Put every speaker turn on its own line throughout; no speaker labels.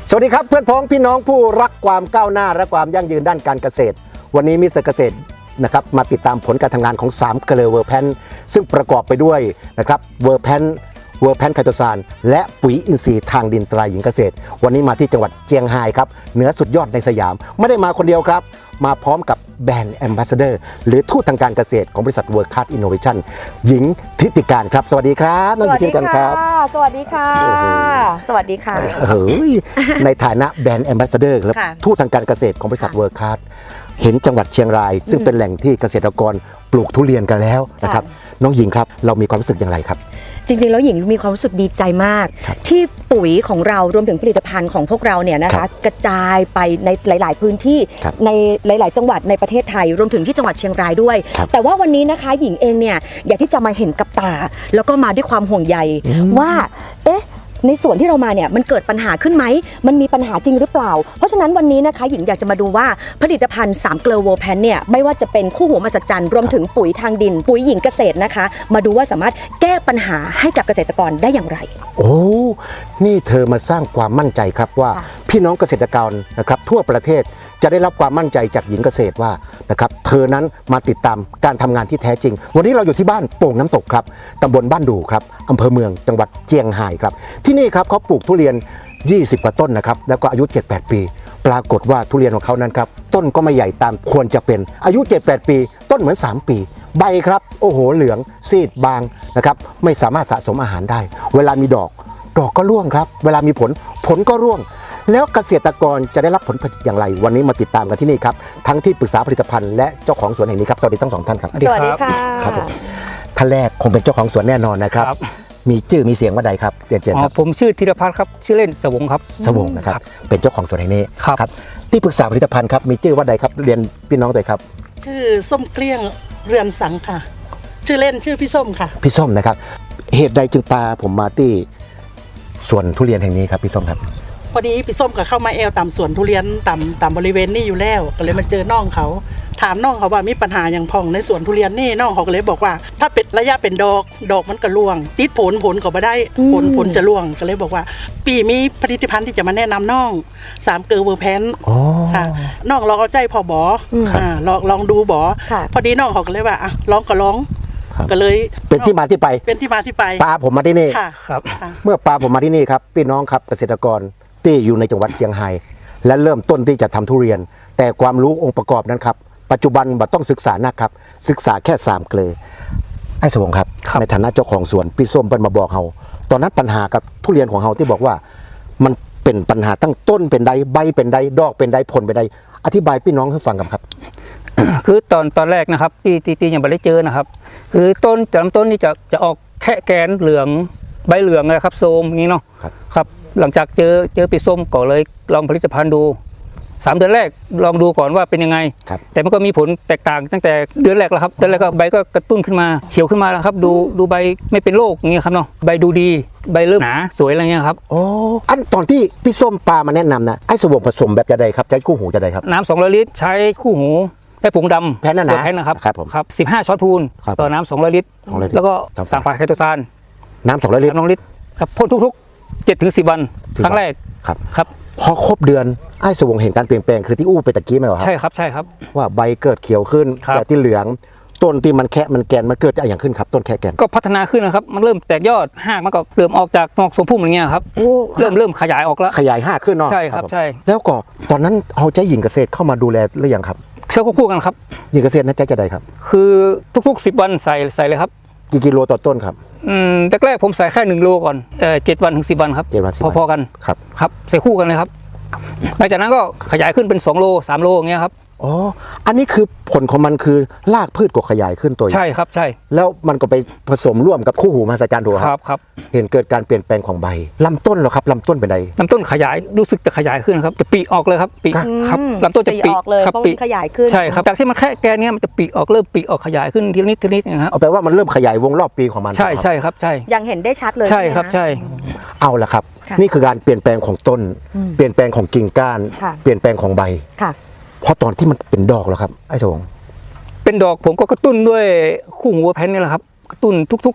สวัสดีครับเพื่อนพ้องพี่น้องผู้รักความก้าวหน้าและความยั่งยืนด้านการเกษตรวันนี้มิสเตอร์เกษตรนะครับมาติดตามผลการทำงานของ3เกลือเวอร์แพนซึ่งประกอบไปด้วยนะครับเวอร์แพนไคโตซานและปุ๋ยอินทรีย์ทางดินตราหญิงเกษตรวันนี้มาที่จังหวัดเจียงไฮ้ครับเหนือสุดยอดในสยามไม่ได้มาคนเดียวครับมาพร้อมกับแบรนด์แอมบาสเดอร์หรือทูตทางการเกษตรของบริษัทเวิร์คคลาสอินโนเวชั่นหญิงทิติการครับสวัสดีครับน้องหญิงทิติการครับ
สวัสดีค่ะสวัสดีค่ะ
เฮ้ยในฐานะแบรนด์แอมบาสเดอร์และทูตทางการเกษตรของบริษัทเวิร์คคลาสเห็นจังหวัดเชียงรายซึ่งเป็นแหล่งที่เกษตรกรปลูกทุเรียนกันแล้วนะครับน้องหญิงครับเรามีความรู้สึกอย่างไรครับ
จริงๆแล้วหญิงมีความรู้สึกดีใจมากที่ปุ๋ยของเรารวมถึงผลิตภัณฑ์ของพวกเราเนี่ยนะคะกระจายไปในหลายๆพื้นที่ในหลายๆจังหวัดในประเทศไทยรวมถึงที่จังหวัดเชียงรายด้วยแต่ว่าวันนี้นะคะหญิงเองเนี่ยอยากที่จะมาเห็นกับตาแล้วก็มาด้วยความห่วงใยว่าในส่วนที่เรามาเนี่ยมันเกิดปัญหาขึ้นไหมมันมีปัญหาจริงหรือเปล่าเพราะฉะนั้นวันนี้นะคะหญิงอยากจะมาดูว่าผลิตภัณฑ์3เกลือเวอร์แพนเนี่ยไม่ว่าจะเป็นคู่หูมหัศจรรย์รวมถึงปุ๋ยทางดินปุ๋ยหญิงเกษตรนะคะมาดูว่าสามารถแก้ปัญหาให้กับเกษตรกรได้อย่างไร
โอ้นี่เธอมาสร้างความมั่นใจครับว่าพี่น้องเกษตรกรนะครับทั่วประเทศจะได้รับความมั่นใจจากหญิงเกษตรว่านะครับเธอนั้นมาติดตามการทำงานที่แท้จริงวันนี้เราอยู่ที่บ้านโป่งน้ำตกครับตำบลบ้านดูครับอำเภอเมืองจังหวัดเจียงไฮ้ครับที่นี่ครับเขาปลูกทุเรียน20กว่าต้นนะครับแล้วก็อายุ 7-8 ปีปรากฏว่าทุเรียนของเขานั้นครับต้นก็ไม่ใหญ่ตามควรจะเป็นอายุ 7-8 ปีต้นเหมือน3 ปีใบครับโอ้โหเหลืองซีดบางนะครับไม่สามารถสะสมอาหารได้เวลามีดอกก็ร่วงครับเวลามีผลก็ร่วงแล้วเกษตรกรจะได้รับผลผลิตอย่างไรวันนี้มาติดตามกันที่นี่ครับทั้งที่ปรึกษาผลิตภัณฑ์และเจ้าของสวนแห่งนี้ครับสวัสดีทั้ง2ท่านครับ
สวัสดีค่ะ
ครับผมท่านแรกคงเป็นเจ้าของสวนแน่นอนนะครับมีชื่อมีเสียงว่าใดครับเรียนเชิญครับ
ผมชื่อธีรพัฒน์ครับชื่อเล่นสวงครับ
สวงนะครับเป็นเจ้าของสวนแห่งนี้ครับที่ปรึกษาผลิตภัณฑ์ครับมีชื่อว่าใดครับเรียนพี่น้องตัวครับ
ชื่อส้มเกลี้ยงเรือนสังค่ะชื่อเล่นชื่อพี่ส้มค่ะ
พี่ส้มนะครับเหตุใดจึงพาผมมาที่สวนทุเรียนแห่งนี้ครับพี่ส้มครับ
พอดีพี่ส้มก็เข้ามาตามสวนทุเรียนตามบริเวณนี้อยู่แล้วก็เลยมาเจอน้องเขาถามน้องเขาว่ามีปัญหาอย่างพองในสวนทุเรียนนี่น้องเขาก็เลยบอกว่าถ้าเป็นระยะเป็นดอกมันก็ร่วงติดผลก็ไม่ได้ผลจะร่วงก็เลยบอกว่าปีมีผลิตภัณฑ์ที่จะมาแนะนำน้อง3เกลือเวอร์แพนค่ะน้องลองเอาใจพอบอลองดูบอพอดีน้องเขาก็เลยว่าอ่ะลองก็เลย
เป็นที่มาที่ไปปลาผมมาที่นี่
ครับ
เมื่อปลาผมมาที่นี่ครับพี่น้องครับเกษตรกรที่อยู่ในจังหวัดเชียงไฮ้และเริ่มต้นที่จะทำทุเรียนแต่ความรู้องค์ประกอบนั้นครับปัจจุบันบ่ต้องศึกษานะครับศึกษาแค่3เกลือไอ้สวงครับในฐานะเจ้าของสวนพี่ส้มเปิ้ลมาบอกเฮาตอนนั้นปัญหากับทุเรียนของเฮาที่บอกว่ามันเป็นปัญหาตั้งต้นเป็นใดใบเป็นใดดอกเป็นใดผลเป็นใดอธิบายพี่น้องให้ฟังกันครับ
คือตอนแรกนะครับที่ยังไม่ได้เจอนะครับคือลำต้นนี่จะออกแค่แกนเหลืองใบเหลืองนะครับโซมอย่างนี้เนาะครับหลังจากเจอปีส้มก็เลยลองผลิตภัณฑ์ดู3 เดือนแรกลองดูก่อนว่าเป็นยังไงแต่มันก็มีผลแตกต่างตั้งแต่เดือนแรกแล้วครับเดือนแรกก็ใบก็กระตุ้นขึ้นมาเขียวขึ้นมาแล้วครับดูใบไม่เป็นโรคอย่างเงี้ยครับเนาะใบดูดีใบเริ่มหนาสวยอะไรเงี้ยครับ
อ๋ออันตอนที่พี่ส้มปลามาแนะนำนะไอ้สวงผสมแบบจะใดครับใช้คู่หูจะใดครับ
น้ำ200 ลิตรใช้คู่หูใช้ผงดำ
แพน
นะครับ
ครับ
15 ช้อนพูนต่อน้ำ200 ลิตรแล้วก็สารไคโตซาน
น้ำ200 ลิตร
ครับพ่นทุกๆ 7-10 วันครั้งแรกครับ
พอครบเดือนไอ้สวงเห็นการเปลี่ยนแปลงคือที่อู้ไปตะกี้ไหมวะ
ใช่ครับ
ว่าใบเกิดเขียวขึ้นจากที่เหลืองต้นที่มันแค่มันแกนมันเกิดอะไรอย่างขึ้นครับต้นแค่แกน
ก็พัฒนาขึ้นนะครับมันเริ่มแตกยอดหากมันก็เริ่มออกจากนอกสมพุ่มอะไรเงี้ยครับเริ่มขยายออกแล้ว
ขยาย5ขึ้นเนาะ
ใช่ครับใช่
แล้วก็ตอนนั้นเอาใจหญิงเกษตรเข้ามาดูแลหรือยังครับ
เชื่อคู่กันครับ
หญิงเกษตรนั้นใจจะใดครับ
คือทุกๆ10 วันใส่เลยครับ
กี่กิโลต่อต้นครับ
แรกผมใส่แค่1 โลก่อน7 วันถึง10 วันครับพอกันครับใส่คู่กันเลยครับหลังจากนั้นก็ขยายขึ้นเป็น2 โล3 โลอย่างเงี้ยครับ
อ๋ออันนี้คือผลของมันคือรากพืชก็ขยายขึ้นตัว
ใช่ครับใช่
แล้วมันก็ไปผสมร่วมกับคู่หูมหัศจรรย์ถูก
ครับ
เห็นเกิดการเปลี่ยนแปลงของใบลำต้นเหรอครับลำต้นเป็นไง
ลำต้นขยายรู้สึกจะขยายขึ้นครับจะปีออกเลยครับปีครับลำต้นจะปี
ออกเลยครับปีขยายขึ้น
ใช่ครับจากที่มันแค่แกนเนี้ยมันจะปีออกเริ่มปีออกขยายขึ้นทีละนิดนะครับ
เอาแปลว่ามันเริ่มขยายวงรอบปีของมัน
ใช่ครับใช่
ยังเห็นได้ชัดเลย
ใช่ครับใช่
เอาละครับนี่คือการเปลี่ยนแปลงของต้นเปลี่ยนแปลงของกิ่งก้านเปลี่ยนแปลงของใบพอตอนที่มันเป็นดอกแล้วครับไอ้สวง
เป็นดอกผมก็กระตุ้นด้วยคู่หูแพนนี่แหละครับกระตุ้นทุก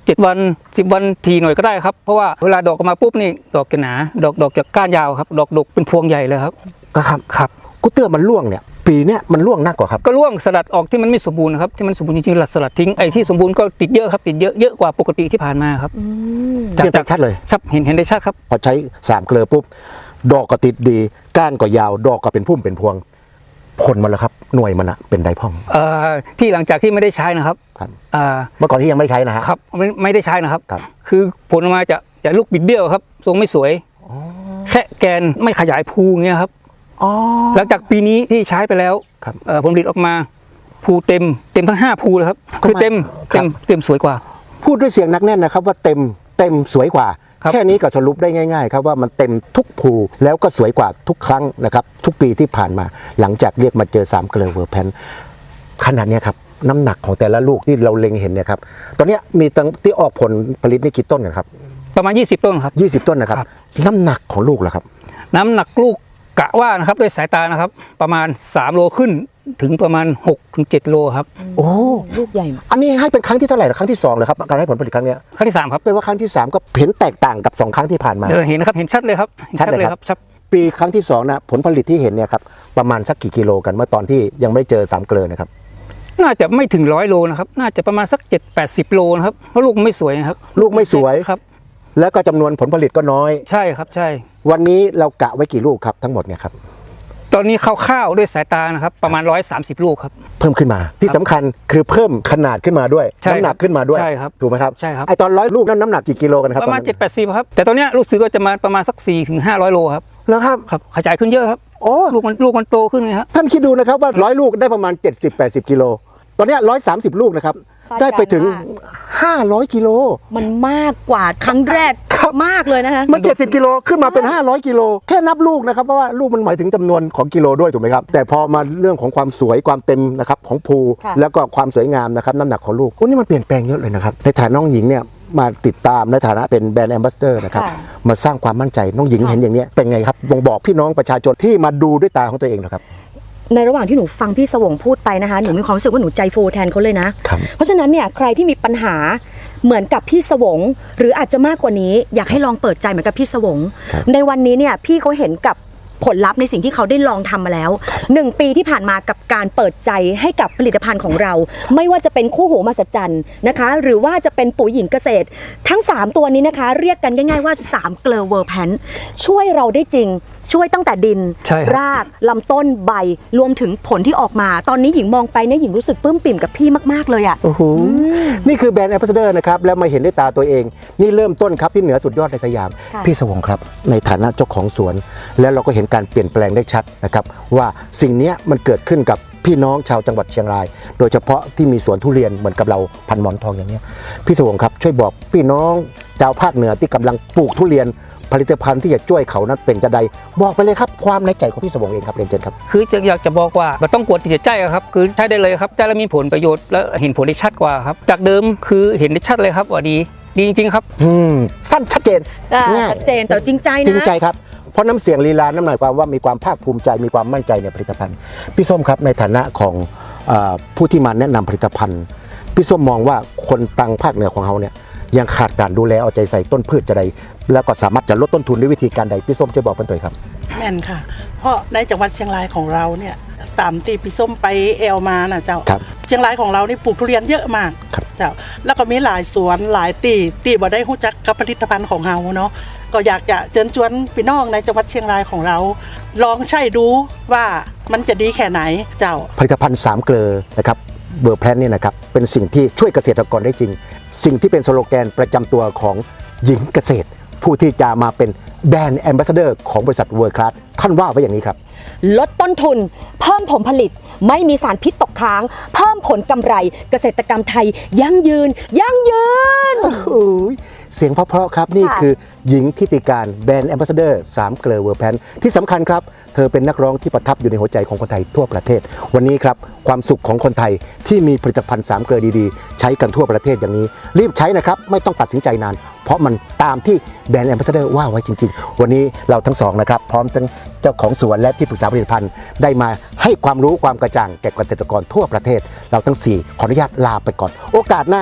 7 วัน10 วันทีหน่อยก็ได้ครับเพราะว่าเวลาดอกออกมาปุ๊บนี่ดอกจะหนาดอกจะก้านยาวครับดอกดกเป็นพวงใหญ่เลยครับ
ก็ครับ
ครับ
กุเตื้อมันร่วงเนี่ยปีเนี้ยมันร่วงหนักกว่าครับ
ก็ร่วงสลัดออกที่มันไม่สมบูรณ์ครับที่มันสมบูรณ์จริงๆสลัดทิ้งไอ้ที่สมบูรณ์ก็ติดเยอะครับติดเยอะกว่าปกติที่ผ่านมาครับ
เปลี่ยนแปลงชัดเลย
ชัดเห็นได้ชัดครับ
พอใช้3 เกลือปุ๊บดอกก็ติดดีก้านก็ยาวดอกก็เป็นพุ่มเป็นพวงผลมันแล้วครับหน่วยมันอะเป็นไดพ่อง
ที่หลังจากที่ไม่ได้ใช้นะครับ
ครับ
อ่า
เมื่อก่อนที่ยังไม่ได้ใช้นะฮะ
ครับไม่ได้ใช้นะครับ
ครับ
คือผลออกมาจะลูกบิดเบี้ยวครับทรงไม่สวยแค่แกนไม่ขยายภูเงี้ยครับ
อ๋อ
หลังจากปีนี้ที่ใช้ไปแล้ว
ครับ
ผลผลิตออกมาภูเต็มทั้ง5ภูเลยครับ
ก็
คือ
มา
เต็ม
ครับ
เต็มสวยกว่า
พูดด้วยเสียงหนักแน่นนะครับว่าเต็มสวยกว่า
ครับ
แค่นี้ก็สรุปได้ง่ายๆครับว่ามันเต็มทุกภูแล้วก็สวยกว่าทุกครั้งนะครับทุกปีที่ผ่านมาหลังจากเรียกมาเจอ3 เกลือเวอร์แพนขนาดเนี้ยครับน้ำหนักของแต่ละลูกที่เราเล็งเห็นเนี่ยครับตอนเนี้ยมีตั้งที่ออกผลผลิตนี่กี่ต้นกันครับ
ประมาณ20 ต้นครับ
20 ต้นนะครับ
ครับ
น้ำหนักของลูกล่ะครับ
น้ำหนักลูกกะว่านะครับด้วยสายตานะครับ ประมาณ3 โลขึ้นถึงประมาณ6 ถึง 7 โลครับ
โอ้
ลูกใหญ่
อันนี้ให้เป็นครั้งที่เท่าไหร่ล่ะครั้งที่2เลยครับการให้ผลผลิตครั้งเนี้ย
ครั้งที่3ครับ
เป็นว่าครั้งที่3ก็เห็นแตกต่างกับ2 ครั้งที่ผ่านมา
เห็นนะครับเห็นชัดเลยครับห็น
ชัดเลยครับ
ชัด
ปีครั้งที่2นะผลผลิตที่เห็นเนี่ยครับประมาณสักกี่กิโลกันเมื่อตอนที่ยังไม่ได้เจอ3 เกลือนะครับ
น่าจะไม่ถึง100 โลนะครับน่าจะประมาณสัก7-80 โลนะครับเพราะลูกไม่สวยนะครับ
ลูกไม่สวย
ครับ
แล้วก็จำนวนผลผลิตก็น้อย
ใช่ครับใช่
วันนี้เรากะไว้กี่ลูกครับทั้งหมดเนี่ยครับ
ตอนนี้คร่าวๆด้วยสายตานะครับประมาณ130 ลูกครับ
เพิ่มขึ้นมาที่สำคัญคือเพิ่มขนาดขึ้นมาด้วย
ใช่
น้ำหนักขึ้นมาด้วย
ใช่ครับ
ถูกไหมครับ
ใช่ครับ
ไอตอน100 ลูกนั้นน้ำหนักกี่กิโลกันครับ
ประมาณ
ตอนนั้น
7-80ครับแต่ตอนเนี้ยลูกซื้อก็จะมาประมาณสัก4-500 โลครับ
แล้วครับ
ครับขยายขึ้นเยอะครับ
โอ้
ลูกมันโตขึ้นไงครับ
ท่านคิดดูนะครับว่า100 ลูกได้ประมาณ 70-80 กิโลตอนเนี้ย130 ลูกนะครับ
คาดการณ์
ได้ไปถึง 500 กิโล
มันมากกว่าครั้งแรก
ครับ
มากเลยนะคะ
มัน 70 กิโลขึ้นมาเป็น 500 กิโลแค่นับลูกนะครับเพราะว่าลูกมันหมายถึงจำนวนของกิโลด้วยถูกไหมครับแต่พอมาเรื่องของความสวยความเต็มนะครับของภู
ค่ะ
แล้วก็ความสวยงามนะครับน้ำหนักของลูกโอ้นี่มันเปลี่ยนแปลงเยอะเลยนะครับในฐานะน้องหญิงเนี่ยมาติดตามในฐานะเป็นแบรนด์แอมบาสเดอร์นะครับมาสร้างความมั่นใจน้องหญิงเห็นอย่างเนี้ยเป็นไงครับบ่งบอกพี่น้องประชาชนที่มาดูด้วยตาของตัวเองนะครับ
ในระหว่างที่หนูฟังพี่สวงพูดไปนะคะหนูมีความรู้สึกว่าหนูใจฟูแทนเขาเลยนะ
ครับ
เพราะฉะนั้นเนี่ยใครที่มีปัญหาเหมือนกับพี่สวง หรืออาจจะมากกว่านี้อยากให้ลองเปิดใจเหมือนกับพี่สวง
ครับ
ในวันนี้เนี่ยพี่เขาเห็นกับผลลัพธ์ในสิ่งที่เขาได้ลองทำมาแล้ว 1 ปีที่ผ่านมากับการเปิดใจให้กับผลิตภัณฑ์ของเรา ไม่ว่าจะเป็นคู่หูมหัศจรรย์นะคะ หรือว่าจะเป็นปุ๋ยหญิงเกษตร ทั้ง 3 ตัวนี้นะคะ เรียกกันง่ายๆว่า3 เกลอเวอร์แพนช่วยเราได้จริง ช่วยตั้งแต่ดิน
ใช่ครับ
รากลำต้นใบรวมถึงผลที่ออกมา ตอนนี้หญิงมองไปเนี่ยหญิงรู้สึกปลื้มปิ่มกับพี่มากๆเลยอะ
โอ้โหนี่คือแบรนด์แอมบาสเดอร์นะครับแล้วมาเห็นด้วยตาตัวเอง นี่เริ่มต้นครับที่เหนือสุดยอดในสยาม
ค่ะ
พี่สวงครับในฐานะเจ้าของสวน แล้วเราก็เห็นการเปลี่ยนแปลงได้ชัดนะครับว่าสิ่งเนี้ยมันเกิดขึ้นกับพี่น้องชาวจังหวัดเชียงราย โดยเฉพาะที่มีสวนทุเรียนเหมือนกับเราพันหมอนทองอย่างเนี้ยพี่สวงครับช่วยบอกพี่น้องชาวภาคเหนือที่กำลังปลูกทุเรียน ผลิตภัณฑ์ที่จะช่วยเขานั้นเป็นจะใดบอกไปเลยครับความในใจของพี่สวงเองครับเรียนเชิญครับ
คืออยากจะบอกว่ามันต้องกวดติดใจอะครับคือใช้ได้เลยครับใช้แล้วมีผลประโยชน์และเห็นผลได้ชัดกว่าครับจากเดิมคือเห็นได้ชัดเลยครับว่าดีจริงๆครับ
สั้นชัดเจนง่าย
ชัดเจนแต่จริงใจนะ
จริงใจครับเพราะน้ำเสียงลีลาน้ำหมายความว่ามีความภาคภูมิใจมีความมั่นใจในผลิตภัณฑ์พี่ส้มครับในฐานะของผู้ที่มาแนะนำผลิตภัณฑ์พี่ส้มมองว่าคนตังภาคเหนือของเขาเนี่ยยังขาดการดูแลเอาใจใส่ต้นพืชจะใดแล้วก็สามารถจะลดต้นทุนด้วยวิธีการใดพี่ส้มช่วยบอกกันตัวครับ
แม่นค่ะ เพราะในจังหวัดเชียงรายของเราเนี่ยตามที่พี่ส้มไปแอลมานะเจ้า
ครับ
เชียงรายของเรานี่ปลูกทุเรียนเยอะมาก
ครับ
เจ้าแล้วก็มีหลายสวนหลายตีบ่ได้รู้จักกับผลิตภัณฑ์ของเราเนาะก็อยากจะเชิญชวนพี่น้องในจังหวัดเชียงรายของเรา ลองใช้ดูว่ามันจะดีแค่ไหนเจ้า
ผลิตภัณฑ์3 เกลอนะครับเบอร์แพลนนี่นะครับเป็นสิ่งที่ช่วยเกษตรกรได้จริง สิ่งที่เป็นสโลแกนประจำตัวของหญิงเกษตร ผู้ที่จะมาเป็นแบรนด์แอมบาสเดอร์ของบริษัทเวิร์คลาสท่านว่าไว้อย่างนี้ครับ
ลดต้นทุน เพิ่มผลผลิต ไม่มีสารพิษตกค้าง เพิ่มผลกำไร เกษตรกรรมไทย ยั่งยืน ยั่งยืน
โอ้ยเสียงเพราะๆครับนี่
ค่ะ
คือหญิงทิติการแบรนด์แอมบาสเดอร์3 เกลอเวอร์แพนที่สำคัญครับเธอเป็นนักร้องที่ประทับอยู่ในหัวใจของคนไทยทั่วประเทศ วันนี้ครับความสุขของคนไทยที่มีผลิตภัณฑ์3 เกลอดีๆ ใช้กันทั่วประเทศอย่างนี้รีบใช้นะครับไม่ต้องตัดสินใจนาน เพราะมันตามที่แบรนด์แอมบาสเดอร์ว่าไว้จริงๆ วันนี้เราทั้งสองนะครับพร้อมทั้งเจ้าของสวนและที่ปรึกษาผลิตภัณฑ์ได้มาให้ความรู้ความกระจ่างแก่เกษตรกรทั่วประเทศ เราทั้ง4ขออนุญาตลาไปก่อน โอกาสหน้า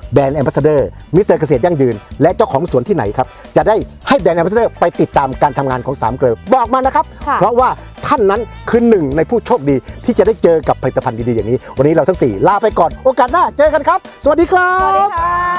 แบรนด์แอมบาสเดอร์มิสเตอร์เกษตรยั่งยืนและเจ้าของสวนที่ไหนครับจะได้ให้แบรนด์แอมบาสเดอร์ไปติดตามการทำงานของ3เกลอบอกมานะครับ
ค่ะ
เพราะว่าท่านนั้นคือหนึ่งในผู้โชคดีที่จะได้เจอกับผลิตภัณฑ์ดีๆอย่างนี้วันนี้เราทั้ง4ลาไปก่อนโอกาสหน้าเจอกันครับสวัสดีครับ
สวัสดีค่ะ